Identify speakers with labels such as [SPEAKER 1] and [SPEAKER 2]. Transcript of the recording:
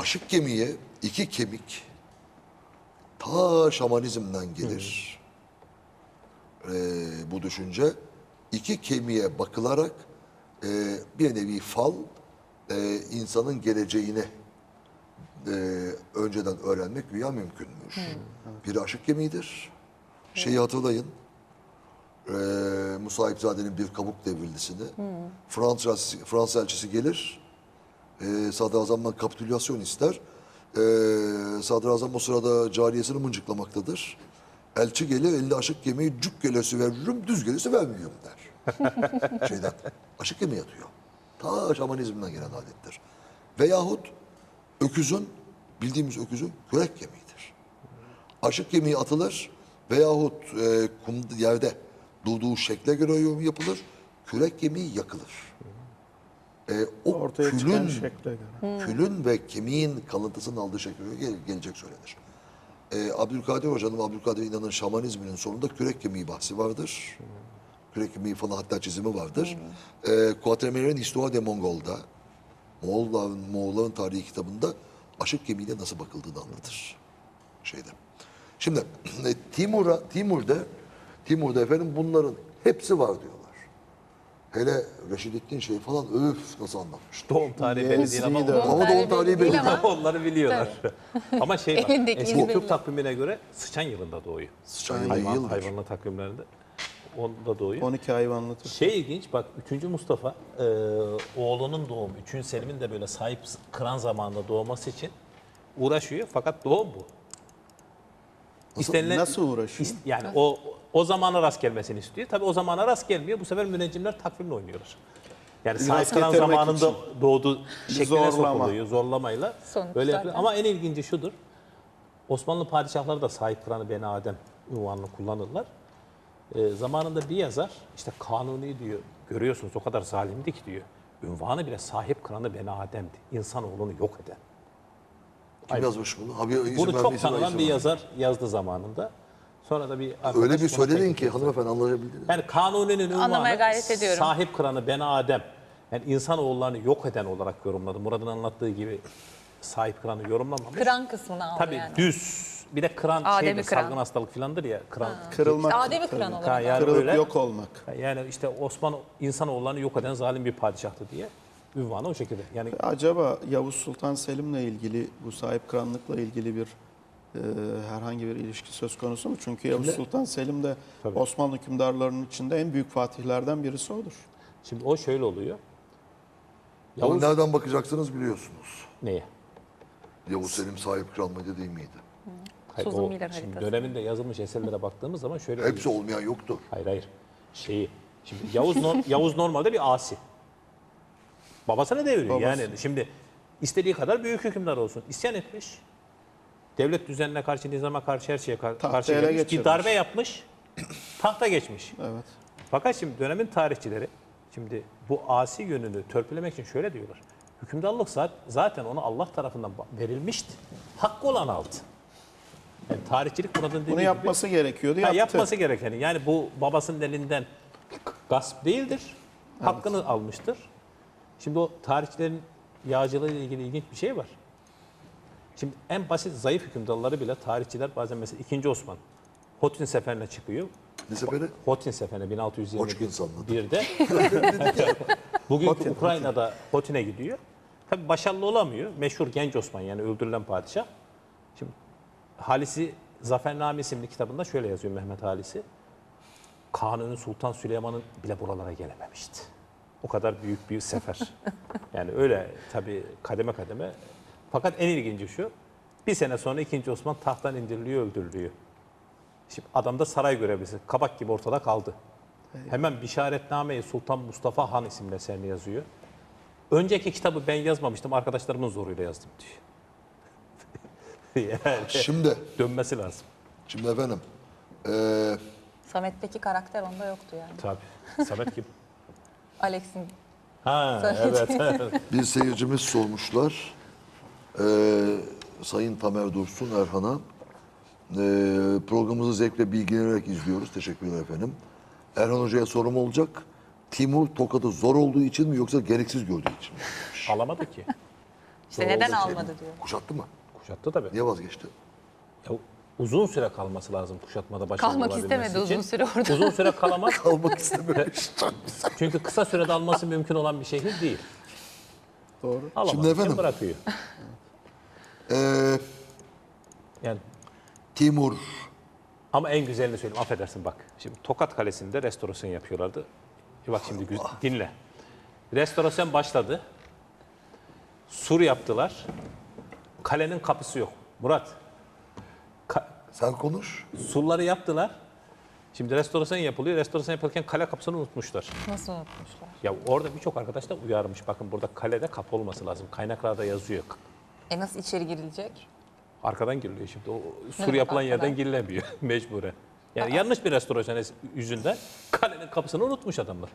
[SPEAKER 1] aşık gemiye iki kemik ta şamanizmden gelir. Bu düşünce iki kemiğe bakılarak bir nevi fal insanın geleceğini önceden öğrenmek güya mümkünmüş. Biri aşık gemidir. Şeyi hatırlayın. Musa İpzade'nin bir kabuk devrilisini. Fransız elçisi gelir. Sadrazam'dan kapitülasyon ister. Sadrazam o sırada cariyesini mıncıklamaktadır. Elçi gelir, elinde aşık gemiyi cuk gelesi veririm, düz gelesi vermiyorum der. Şeyden, aşık gemi yatıyor. Ta şamanizmden gelen adettir. Veyahut öküzün, bildiğimiz öküzün kürek gemiğidir. Aşık gemiği atılır veyahut yerde durduğu şekle göre yorum yapılır. Kürek gemiği yakılır. O
[SPEAKER 2] Ortaya çıkan şekle göre.
[SPEAKER 1] külün ve kemiğin kalıntısının aldığı şekle göre gelecek söylenir. Abdülkadir Hoca'nın, Abdülkadir İnan'ın şamanizminin sonunda kürek kemiği bahsi vardır. Kürek kemiği falan hatta çizimi vardır. Quatermain'in Histoire de Mongol'da, Moğolların tarihi kitabında aşık gemiğine nasıl bakıldığını anlatır. Şimdi Timur'da efendim bunların hepsi var diyorlar. Hele Reşidettin şey falan öf nasıl anlatmış.
[SPEAKER 3] Doğum tarihi belli değil ama
[SPEAKER 1] Ama doğum tarihi belli.
[SPEAKER 3] onları biliyorlar. Ama şey var,
[SPEAKER 4] Elindeki
[SPEAKER 3] eski
[SPEAKER 4] iz
[SPEAKER 3] Türk
[SPEAKER 4] belli.
[SPEAKER 3] takvimine göre sıçan yılında doğuyor.
[SPEAKER 1] Sıçan yıldır.
[SPEAKER 3] Hayvanlı takvimlerinde onda doğuyor.
[SPEAKER 2] 12 hayvanlı Türk.
[SPEAKER 3] Şey ilginç bak 3. Mustafa oğlunun doğumu 3. Selim'in de böyle sahip kıran zamanında doğması için uğraşıyor fakat doğum bu.
[SPEAKER 2] Nasıl uğraşıyor?
[SPEAKER 3] Yani o zamana rast gelmesini istiyor. Tabii o zamana rast gelmiyor. Bu sefer müneccimler takvimle oynuyorlar. Yani sahip kıran
[SPEAKER 2] getirmek
[SPEAKER 3] zamanında
[SPEAKER 2] için.
[SPEAKER 3] doğduğu şekline
[SPEAKER 2] Zorlama.
[SPEAKER 3] sokuluyor. Zorlamayla.
[SPEAKER 4] Sonuç
[SPEAKER 3] Böyle
[SPEAKER 4] zaten.
[SPEAKER 3] yapıyor. Ama en ilginci şudur. Osmanlı padişahları da sahip kıranı Beni Adem unvanını kullanırlar. Zamanında bir yazar işte Kanuni diyor. Görüyorsunuz o kadar zalimdi ki diyor. Ünvanı bile sahip kıranı Beni Adem'di. İnsanoğlunu yok eden.
[SPEAKER 1] Kim yazmış bunu? Abi, isim
[SPEAKER 3] Bunu
[SPEAKER 1] verme,
[SPEAKER 3] çok
[SPEAKER 1] isim ver,
[SPEAKER 3] tanınan
[SPEAKER 1] isim
[SPEAKER 3] bir
[SPEAKER 1] ver.
[SPEAKER 3] yazar yazdı zamanında. Sonra da bir arkadaş
[SPEAKER 1] Öyle bir
[SPEAKER 3] buna
[SPEAKER 1] söyledin
[SPEAKER 3] teklif
[SPEAKER 1] ki
[SPEAKER 3] etti.
[SPEAKER 1] hanımefendi anlayabildiniz.
[SPEAKER 3] Yani Kanuni'nin
[SPEAKER 4] Anlamaya
[SPEAKER 3] ünvanı
[SPEAKER 4] gayret ediyorum.
[SPEAKER 3] sahip kıranı Beni Adem. Yani insanoğullarını yok eden olarak yorumladı. Murad'ın anlattığı gibi sahip kıranı yorumlamamış.
[SPEAKER 4] Kıran kısmını aldı
[SPEAKER 3] Tabii
[SPEAKER 4] yani.
[SPEAKER 3] düz. Bir de kıran
[SPEAKER 4] Adem'i
[SPEAKER 3] şeydir,
[SPEAKER 4] kıran.
[SPEAKER 3] salgın hastalık filandır ya. Kıran.
[SPEAKER 2] Kırılmak.
[SPEAKER 4] Adem'i kıran
[SPEAKER 2] tabii.
[SPEAKER 4] olarak.
[SPEAKER 3] Yani
[SPEAKER 2] Kırılıp
[SPEAKER 3] öyle.
[SPEAKER 2] yok olmak.
[SPEAKER 3] Yani işte Osman insanoğullarını yok eden zalim bir padişahtı diye ünvanı o şekilde. Yani
[SPEAKER 2] Acaba Yavuz Sultan Selim'le ilgili bu sahip kıranlıkla ilgili bir herhangi bir ilişki söz konusu mu? Çünkü Yavuz Sultan Selim de
[SPEAKER 3] Tabii.
[SPEAKER 2] Osmanlı hükümdarlarının içinde en büyük fatihlerden birisi odur.
[SPEAKER 3] şimdi o şöyle oluyor.
[SPEAKER 1] Ama
[SPEAKER 3] Yavuz
[SPEAKER 1] nereden bakacaksınız biliyorsunuz.
[SPEAKER 3] neye?
[SPEAKER 1] Yavuz Selim sahip kral mıydı değil miydi?
[SPEAKER 3] Hayır,
[SPEAKER 4] Suzun
[SPEAKER 3] o
[SPEAKER 4] Miller
[SPEAKER 3] şimdi
[SPEAKER 4] haritası.
[SPEAKER 3] döneminde yazılmış eserlere baktığımız zaman şöyle
[SPEAKER 1] Hepsi olmayan yoktu.
[SPEAKER 3] Hayır. Şeyi. Şimdi Yavuz normalde bir asi. Babasını deviriyor.
[SPEAKER 2] Babası.
[SPEAKER 3] Yani şimdi istediği kadar büyük hükümdar olsun. İsyan etmiş. Devlet düzenine karşı, nizama karşı, her şeye karşı
[SPEAKER 2] ele
[SPEAKER 3] gelmiş. Bir
[SPEAKER 2] geçirmiş.
[SPEAKER 3] darbe yapmış. Tahta geçmiş.
[SPEAKER 2] Evet.
[SPEAKER 3] Fakat şimdi dönemin tarihçileri şimdi bu asi yönünü törpülemek için şöyle diyorlar. Hükümdarlık zaten ona Allah tarafından verilmişti. Hakkı olan aldı. Yani tarihçilik buradan dediği
[SPEAKER 2] Bunu
[SPEAKER 3] gibi-
[SPEAKER 2] yapması gerekiyordu.
[SPEAKER 3] Ha,
[SPEAKER 2] Yaptı.
[SPEAKER 3] yapması gerekeni. Yani bu babasının elinden gasp değildir. Hakkını almıştır. Şimdi o tarihçilerin yağcılığı ile ilgili ilginç bir şey var. Şimdi en basit zayıf hükümdarları bile tarihçiler bazen mesela 2. Osman Hotin seferine çıkıyor.
[SPEAKER 1] Ne seferi?
[SPEAKER 3] Hotin seferine
[SPEAKER 1] Hoçkin sandım.
[SPEAKER 3] 1621'de. Bugünkü Ukrayna'da Hotin'e gidiyor. Tabii başarılı olamıyor. Meşhur Genç Osman yani öldürülen padişah. Şimdi Halisi Zafername isimli kitabında şöyle yazıyor Mehmet Halisi. Kanuni Sultan Süleyman'ın bile buralara gelememişti. O kadar büyük bir sefer. Yani öyle tabii kademe kademe. Fakat en ilginci şu. Bir sene sonra 2. Osman tahttan indiriliyor, öldürülüyor. Şimdi adam da saray görevlisi. Kabak gibi ortada kaldı. Hemen Bişaretname-i Sultan Mustafa Han isimli eserini yazıyor. Önceki kitabı ben yazmamıştım, arkadaşlarımın zoruyla yazdım diyor. Yani
[SPEAKER 1] Şimdi
[SPEAKER 3] dönmesi lazım.
[SPEAKER 1] efendim
[SPEAKER 4] Samet'teki karakter onda yoktu yani.
[SPEAKER 3] Tabii. Samet kim?
[SPEAKER 4] Alex'in
[SPEAKER 3] Ha,
[SPEAKER 4] Samet.
[SPEAKER 3] evet.
[SPEAKER 1] bir seyircimiz sormuşlar. Sayın Tamer Dursun Erhan'a. Programımızı zevkle bilgilenerek izliyoruz. Teşekkürler efendim. Erhan Hoca'ya sorum olacak. Timur tokadı zor olduğu için mi yoksa gereksiz gördüğü için mi?
[SPEAKER 3] Alamadı ki.
[SPEAKER 4] İşte neden
[SPEAKER 1] Oradaki-
[SPEAKER 4] almadı diyor.
[SPEAKER 1] Kuşattı mı?
[SPEAKER 3] Kuşattı tabii.
[SPEAKER 1] Niye vazgeçti?
[SPEAKER 3] Ya, uzun süre kalması lazım kuşatmada başarılı
[SPEAKER 4] Kalmak
[SPEAKER 3] olabilmesi
[SPEAKER 4] istemedi
[SPEAKER 3] için.
[SPEAKER 4] uzun süre orada.
[SPEAKER 3] Uzun süre kalamaz.
[SPEAKER 1] Kalmak istememiş.
[SPEAKER 3] Çünkü kısa sürede alması mümkün olan bir şehir değil.
[SPEAKER 2] Doğru.
[SPEAKER 3] Alamadığı
[SPEAKER 1] Şimdi
[SPEAKER 3] için
[SPEAKER 1] efendim-
[SPEAKER 3] bırakıyor.
[SPEAKER 1] Ee,
[SPEAKER 3] Yani
[SPEAKER 1] Timur.
[SPEAKER 3] ama en güzelini söyleyeyim, affedersin bak. Şimdi Tokat Kalesi'nde restorasyon yapıyorlardı. Bak şimdi dinle. Restorasyon başladı. Sur yaptılar. Kalenin kapısı yok. Murat,
[SPEAKER 1] Sen konuş.
[SPEAKER 3] surları yaptılar. Şimdi restorasyon yapılıyor. Restorasyon yapılırken kale kapısını unutmuşlar.
[SPEAKER 4] Nasıl unutmuşlar?
[SPEAKER 3] Ya orada birçok arkadaş da uyarmış. Bakın burada kalede kapı olması lazım. Kaynaklarda yazıyor.
[SPEAKER 4] Nasıl içeri girilecek?
[SPEAKER 3] Arkadan giriliyor şimdi. O sur
[SPEAKER 4] demek
[SPEAKER 3] yapılan
[SPEAKER 4] arkadan?
[SPEAKER 3] yerden girilemiyor mecburen. Yani yanlış bir restorasyon yüzünden kalenin kapısını unutmuş adamlar.